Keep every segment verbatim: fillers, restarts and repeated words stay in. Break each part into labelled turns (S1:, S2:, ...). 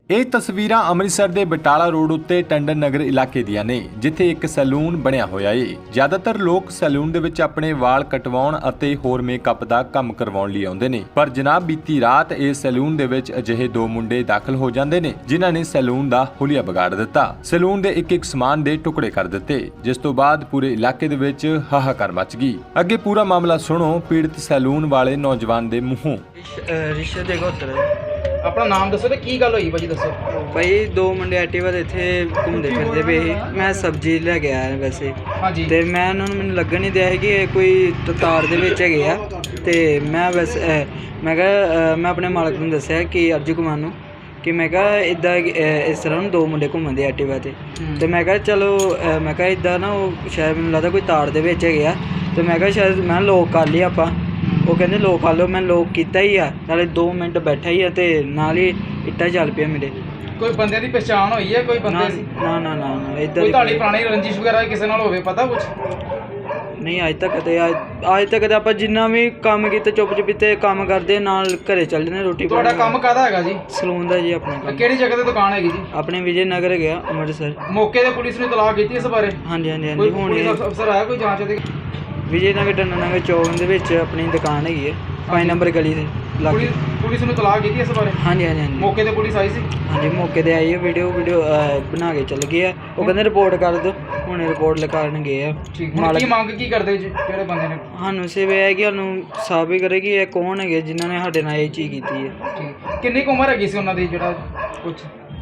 S1: ਇਹ ਤਸਵੀਰਾਂ ਅੰਮ੍ਰਿਤਸਰ ਦੇ ਬਟਾਲਾ ਰੋਡ ਉੱਤੇ ਟੰਡਨ ਨਗਰ ਇਲਾਕੇ ਦੀਆਂ ਨੇ, ਜਿੱਥੇ ਇੱਕ ਸੈਲੂਨ ਬਣਿਆ ਹੋਇਆ ਏ। ਜ਼ਿਆਦਾਤਰ ਲੋਕ ਸੈਲੂਨ ਦੇ ਵਿੱਚ ਆਪਣੇ ਵਾਲ ਕਟਵਾਉਣ ਅਤੇ ਹੋਰ ਮੇਕਅਪ ਦਾ ਕੰਮ ਕਰਵਾਉਣ ਲਈ ਆਉਂਦੇ ਨੇ, ਪਰ ਜਨਾਬ ਬੀਤੀ ਰਾਤ ਇਸ ਸੈਲੂਨ ਦੇ ਵਿੱਚ ਅਜਿਹੇ ਦੋ ਮੁੰਡੇ ਦਾਖਲ ਹੋ ਜਾਂਦੇ ਨੇ, ਜਿਨ੍ਹਾਂ ਨੇ ਸੈਲੂਨ ਦਾ ਹੁਲੀਆ ਵਿਗਾੜ ਦਿੱਤਾ। ਸੈਲੂਨ ਦੇ ਇੱਕ ਇੱਕ ਸਮਾਨ ਦੇ ਟੁਕੜੇ ਕਰ ਦਿੱਤੇ, ਜਿਸ ਤੋਂ ਬਾਅਦ ਪੂਰੇ ਇਲਾਕੇ ਦੇ ਵਿੱਚ ਹਾਹਾਕਾਰ ਮਚ ਗਈ। ਅੱਗੇ ਪੂਰਾ ਮਾਮਲਾ ਸੁਣੋ ਪੀੜਤ ਸੈਲੂਨ ਵਾਲੇ ਨੌਜਵਾਨ ਦੇ ਮੂੰਹੋਂ।
S2: ਰਿਸ਼ਤੇ ਦੇ ਗੋਤਰ
S3: ਆਪਣਾ ਨਾਮ ਦੱਸੋ ਤੇ ਕੀ ਗੱਲ ਹੋਈ ਭਾਜੀ ਦੱਸੋ।
S2: ਭਾਈ ਦੋ ਮੁੰਡੇ ਐਕਟਿਵਾ ਤੇ ਇੱਥੇ ਘੁੰਮਦੇ ਫਿਰਦੇ ਪਏ ਸੀ। ਮੈਂ ਸਬਜ਼ੀ ਲੈ ਕੇ ਆਇਆ ਵੈਸੇ
S3: ਹਾਂਜੀ
S2: ਤੇ ਮੈਂ ਉਹਨਾਂ ਨੂੰ ਮੈਨੂੰ ਲੱਗਣ ਨਹੀਂ ਦਿਆ ਸੀ ਕਿ ਇਹ ਕੋਈ ਤਾਰ ਦੇ ਵਿੱਚ ਹੈਗੇ ਆ। ਤੇ ਮੈਂ ਵੈਸੇ ਅਹ ਮੈਂ ਕਿਹਾ ਅਹ ਮੈਂ ਆਪਣੇ ਮਾਲਕ ਨੂੰ ਦੱਸਿਆ ਕਿ ਅਰਜੂ ਕੁਮਾਰ ਨੂੰ ਕਿ ਮੈਂ ਕਿਹਾ ਇੱਦਾਂ ਇਸ ਤਰ੍ਹਾਂ ਨੂੰ ਦੋ ਮੁੰਡੇ ਘੁੰਮਦੇ ਐਕਟਿਵਾ ਤੇ ਤੇ ਮੈਂ ਕਿਹਾ ਚਲੋ ਅਹ ਮੈਂ ਕਿਹਾ ਇੱਦਾਂ ਨਾ ਉਹ ਸ਼ਾਇਦ ਮੈਨੂੰ ਲੱਗਦਾ ਕੋਈ ਤਾਰ ਦੇ ਵਿੱਚ ਹੈਗੇ ਆ। ਤੇ ਮੈਂ ਕਿਹਾ ਸ਼ਾਇਦ ਮੈਂ ਲੋਕ ਕਰ ਲਈ ਆਪਾਂ। ਉਹ ਕਹਿੰਦੇ ਲੋਕ ਖਾ ਲਓ। ਮੈਂ ਲੋਕ ਕੀਤਾ ਹੀ ਆ, ਨਾਲੇ ਦੋ ਮਿੰਟ ਬੈਠਾ ਹੀ ਆ ਤੇ ਨਾਲ ਹੀ ਇੱਟਾਂ ਚੱਲ ਪਿਆ ਮੇਰੇ।
S3: ਕੋਈ ਬੰਦੇ ਦੀ ਪਛਾਣ ਹੋਈ ਹੈ? ਕੋਈ ਬੰਦੇ ਸੀ?
S2: ਨਾ ਨਾ ਨਾ ਨਾ ਇੱਦਾਂ
S3: ਕੋਈ ਤੁਹਾਡੀ ਪੁਰਾਣੀ ਰੰਜਿਸ਼ ਵਗੈਰਾ ਕਿਸੇ ਨਾਲ ਹੋਵੇ ਪਤਾ ਕੁਝ?
S2: ਨਹੀਂ ਅੱਜ ਤੱਕ ਤੇ ਅੱਜ ਤੱਕ ਤੇ ਆਪਾਂ ਜਿੰਨਾ ਵੀ ਕੰਮ ਕੀਤਾ ਚੁੱਪ ਚੁਪੀਤੇ ਕੰਮ ਕਰਦੇ ਨਾਲ ਘਰੇ ਚੱਲ ਜਾਂਦੇ ਰੋਟੀ।
S3: ਤੁਹਾਡਾ ਕੰਮ ਕਾਹਦਾ ਹੈਗਾ ਜੀ?
S2: ਸਲੂਨ ਦਾ ਜੀ ਆਪਣਾ ਕੰਮ।
S3: ਕਿਹੜੀ ਜਗ੍ਹਾ ਤੇ ਦੁਕਾਨ ਹੈਗੀ ਜੀ?
S2: ਆਪਣੇ ਵਿਜੇ ਨਗਰ ਗਿਆ ਅੰਮ੍ਰਿਤਸਰ।
S3: ਮੌਕੇ ਤੇ ਪੁਲਿਸ ਨੇ ਤਲਾਕ ਕੀਤੀ ਇਸ ਬਾਰੇ?
S2: ਹਾਂਜੀ ਹਾਂਜੀ
S3: ਕੋਈ
S2: ਹਾਂਜੀ ਹੁਣ
S3: ਪੁਲਿਸ ਅਫਸਰ ਆਇਆ ਕੋਈ ਜਾਂਚ ਦੇ?
S2: ਵਿਜੇ ਨਗਰ ਟੰਨਾ ਨਗਰ ਚੌਕ ਦੇ ਵਿੱਚ ਆਪਣੀ ਦੁਕਾਨ ਹੈਗੀ ਹੈ ਪੰਜ ਨੰਬਰ ਗਲੀ ਦੇ ਲਾਗੇ।
S3: ਪੁਲਿਸ ਪੁਲਿਸ ਨੂੰ ਤਲਾਕ ਕੀਤੀ ਇਸ ਬਾਰੇ?
S2: ਹਾਂਜੀ ਹਾਂਜੀ ਹਾਂਜੀ
S3: ਮੌਕੇ ਤੇ ਪੁਲਿਸ ਆਈ ਸੀ?
S2: ਹਾਂਜੀ ਮੌਕੇ ਤੇ ਆਈ ਹੈ। ਵੀਡੀਓ ਵੀਡੀਓ ਬਣਾ ਕੇ ਚੱਲ ਗਏ ਆ। ਉਹ ਕਹਿੰਦੇ ਰਿਪੋਰਟ ਕਰ ਦਿਓ। ਹੁਣ ਰਿਪੋਰਟ ਲਿਖਾਉਣ ਗਏ ਆ।
S3: ਠੀਕ। ਹੁਣ ਕੀ ਮੰਗ ਕੀ ਕਰਦੇ ਜੀ ਕਿਹੜੇ ਬੰਦੇ ਨੇ?
S2: ਸਾਨੂੰ ਸਿਰਫ ਇਹ ਹੈ ਕਿ ਸਾਨੂੰ ਸਾਬਿਤ ਕਰੇ ਕਿ ਇਹ ਕੌਣ ਹੈਗੇ ਜਿਨ੍ਹਾਂ ਨੇ ਸਾਡੇ ਨਾਲ ਇਹ ਚੀਜ਼ ਕੀਤੀ ਹੈ।
S3: ਠੀਕ। ਕਿੰਨੀ ਕੁ ਉਮਰ ਹੈਗੀ ਸੀ ਉਹਨਾਂ ਦੀ ਜਿਹੜਾ ਕੁਝ?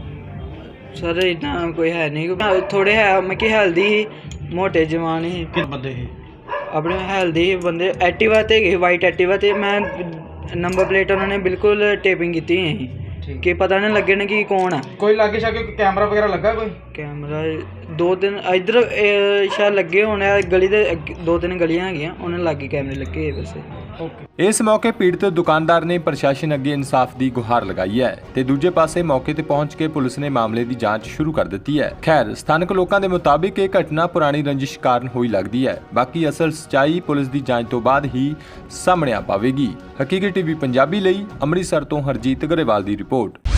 S2: ਸਰ ਇੰਨਾ ਕੋਈ ਹੈ ਨਹੀਂ, ਥੋੜੇ ਹੈ ਮੈਂ ਕਿ ਹੈਲਦੀ ਸੀ, ਮੋਟੇ ਜਵਾਨ ਸੀ।
S3: ਕਿੰਨੇ ਬੰਦੇ ਸੀ?
S2: ਆਪਣੇ ਹੈਲਦੀ ਬੰਦੇ ਐਕਟਿਵਾ ਤੇ ਗਏ, ਵਾਈਟ ਐਕਟਿਵਾ ਤੇ। ਮੈਂ ਨੰਬਰ ਪਲੇਟ ਉਹਨਾਂ ਨੇ ਬਿਲਕੁਲ ਟੇਪਿੰਗ ਕੀਤੀ ਹੋਈ ਸੀ ਕਿ ਪਤਾ ਨਹੀਂ ਲੱਗੇ ਨਾ ਕਿ ਕੌਣ ਆ।
S3: ਕੋਈ ਲਾਗੇ ਸ਼ਾਗੇ ਕੈਮਰਾ ਵਗੈਰਾ ਲੱਗਾ? ਕੋਈ
S2: ਕੈਮਰਾ ਦੋ ਤਿੰਨ ਇੱਧਰ ਸ਼ਾਇਦ ਲੱਗੇ ਹੋਣੇ ਆ, ਗਲੀ ਦੇ ਦੋ ਤਿੰਨ ਗਲੀਆਂ ਹੈਗੀਆਂ ਉਹਨਾਂ ਲਾਗੇ ਕੈਮਰੇ ਲੱਗੇ ਵੈਸੇ।
S1: ਇਸ ਮੌਕੇ ਪੀੜਤ ਦੁਕਾਨਦਾਰ ਨੇ ਪ੍ਰਸ਼ਾਸਨ ਅੱਗੇ ਇਨਸਾਫ ਦੀ ਗੁਹਾਰ ਲਗਾਈ ਹੈ ਤੇ ਦੂਜੇ ਪਾਸੇ ਮੌਕੇ ਤੇ ਪਹੁੰਚ ਕੇ ਪੁਲਿਸ ਨੇ ਮਾਮਲੇ ਦੀ ਜਾਂਚ ਸ਼ੁਰੂ ਕਰ ਦਿੱਤੀ ਹੈ। ਖੈਰ ਸਥਾਨਕ ਲੋਕਾਂ ਦੇ ਮੁਤਾਬਿਕ ਇਹ ਘਟਨਾ ਪੁਰਾਣੀ ਰੰਜਿਸ਼ ਕਾਰਨ ਹੋਈ ਲੱਗਦੀ ਹੈ। ਬਾਕੀ ਅਸਲ ਸਚਾਈ ਪੁਲਿਸ ਦੀ ਜਾਂਚ ਤੋਂ ਬਾਅਦ ਹੀ ਸਾਹਮਣੇ ਆ ਪਾਵੇਗੀ। ਹਕੀਕਤ ਟੀਵੀ ਪੰਜਾਬੀ ਲਈ ਅੰਮ੍ਰਿਤਸਰ ਤੋਂ ਹਰਜੀਤ ਗਰੇਵਾਲ ਦੀ ਰਿਪੋਰਟ।